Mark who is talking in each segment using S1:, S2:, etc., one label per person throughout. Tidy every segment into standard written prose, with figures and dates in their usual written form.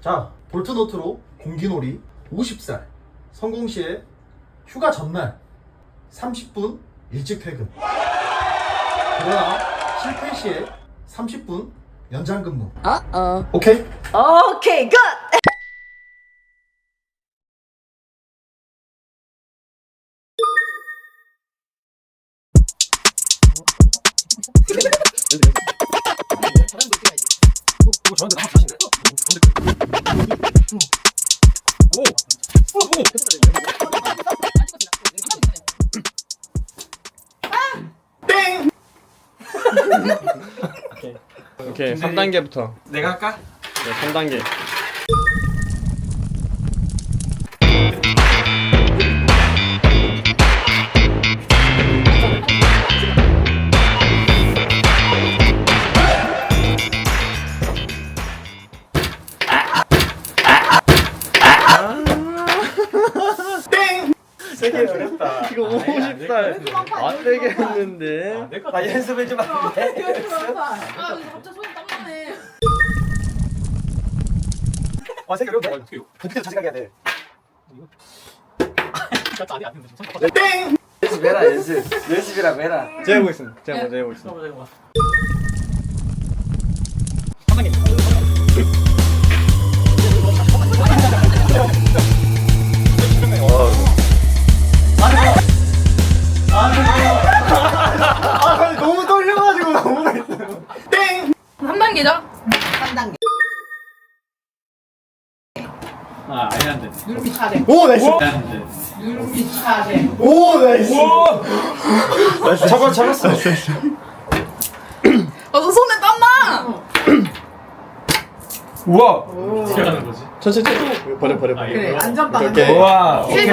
S1: 자, 볼트노트로 공기놀이 50살 성공시에 휴가 전날 30분 일찍 퇴근. 그러나 실패 시에 30분 연장 근무. 오케이?
S2: 오케이, 굿!
S1: 이거 저한테 나 자신데? 땡!
S3: 오케이 3단계부터.
S4: 내가 할까?
S3: 네, 3단계.
S4: 세게 어렵다.
S3: 이거 50살 안 되겠는데.
S4: 나 연습해주면 안 돼?
S2: 아, 이거 갑자기 손이 땀나네.
S4: 와 세게 어렵다. 그때도 자식하게 해야 돼.
S1: 땡!
S4: 연습해라 연습. 연습이라고 해라.
S3: 제가 해보겠습니다. 제가 먼저 해보겠습니다.
S1: 너무 떨려가지고 너무 맛있어요. 땡!
S2: 3단계죠?
S5: 아, 아니 안 돼.
S2: 누르기 차례.
S1: 오, 나이스!
S5: 안 돼.
S2: 누르기 차례.
S1: 오, 나이스!
S4: 잡았어.
S2: 너 손에 땀나!
S4: 우와.
S5: 어떻게 하는 거지?
S3: 천천히 버려.
S2: 그래, 안전빵.
S3: 오케이.
S4: 우와.
S2: 실패.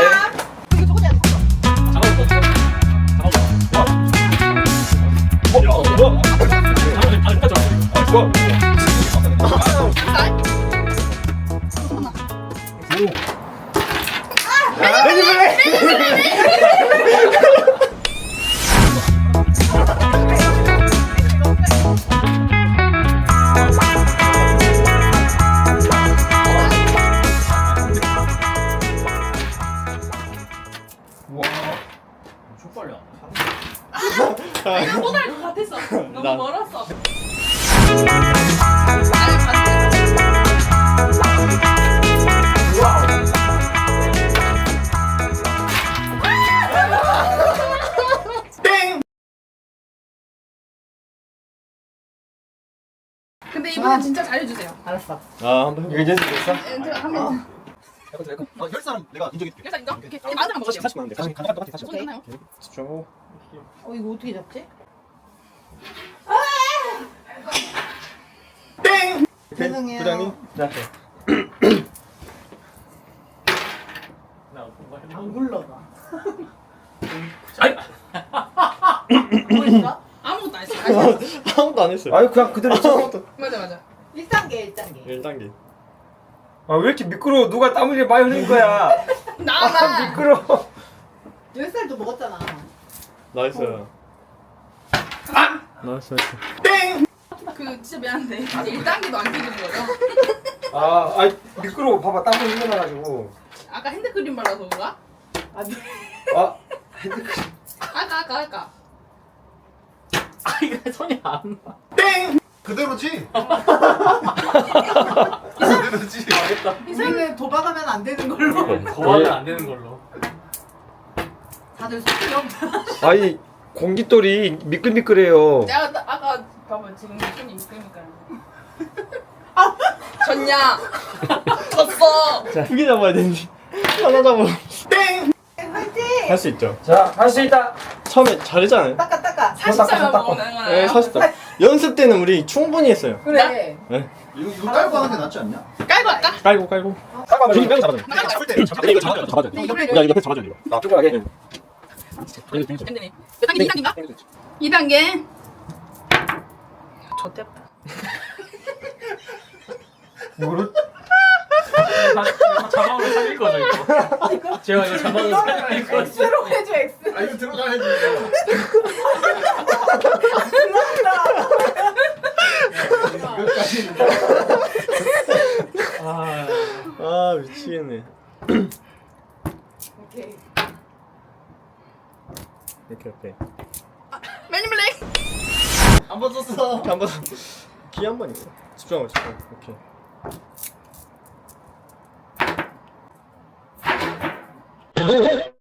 S5: 촉발려.
S2: 내가 못할 것 같았어. 너무
S3: 나-
S2: 멀었어.
S1: 땡!
S2: 근데 이번엔 진짜 잘해주세요. 알았어.
S3: 아 한번
S4: 이거 연습했어?
S2: 한번
S1: 열 사람 내가 인정해 줄게.
S2: 일단 인정? 오케이. 많은 안 먹을게요.
S3: 40만 원 돼. 40만
S2: 손 괜찮아요?
S3: 집중하고.
S2: 이거 어떻게 잡지?
S1: 땡!
S2: 죄송해요.
S3: 부장님. 자.
S2: 안 굴러가.
S5: 아이!
S2: 뭐 했어? 아무것도 안 했어. 다시 해봐.
S3: 아무도 안 했어요.
S4: 아유 그냥 그대로 쳐.
S2: 맞아. 1단계.
S3: 1단계.
S4: 아왜 이렇게 미끄러워? 누가 땀 흘려 많이 흘린 거야?
S2: 나.
S4: 미끄러워.
S2: 10살도 먹었잖아.
S3: 나이스. 나이스.
S1: 땡!
S2: 그 진짜 미안한데 이제 1단계도 안 끼는 거죠?
S4: 아 미끄러워. 봐봐 땀 흘려놔가지고.
S2: 아까 핸드크림 발라서 그런가?
S4: 아
S2: 아까.
S5: 아, 이거 손이 안 나.
S1: 땡! 그대로지? 그대로지?
S2: 이상은 도박하면 안 되는 걸로.
S5: 거하면 안 되는 걸로.
S2: 다들 속이 없다.
S4: 아니 공깃돌이 미끌미끌해요.
S2: 내가 아까 봐봐 지금 손이 있으니까. 졌냐? 졌어.
S3: 두 개 잡아야 되는데 하나 잡아.
S1: 땡!
S2: 화이팅!
S3: 할 수 있죠.
S4: 자 할 수 있다.
S3: 처음에 잘했잖아요.
S2: 닦아. 40살만 먹는 거야.
S3: 네, 40살. 연습 때는 우리 충분히 했어요.
S2: 그래.
S3: 네.
S1: 이거 깔고 하는 게 낫지 않냐?
S2: 깔고 할까?
S3: 깔고. 저기 빼고 잡아줘.
S1: 잡을 때 잡을 때
S3: 이거 잡아줘. 야 이거 옆에 잡아줘 이거.
S4: 나 쪼그라게.
S2: 몇 단계? 2단계인가? 2단계. 좋댔다.
S4: 뭐를?
S5: 자막으로 살릴 거죠 이거. 제가 이거 자막으로 살릴 거죠.
S2: X로 해줘 X.
S1: 아 이거 들어가야지.
S2: 끝났다.
S1: 끝까지.
S3: 모르겠네.
S2: 오케이.
S3: 오케이.
S2: 매니블레이.
S1: 한번 썼어.
S3: 한번 기회 한 번 있어. 집중하고 집중. 오케이.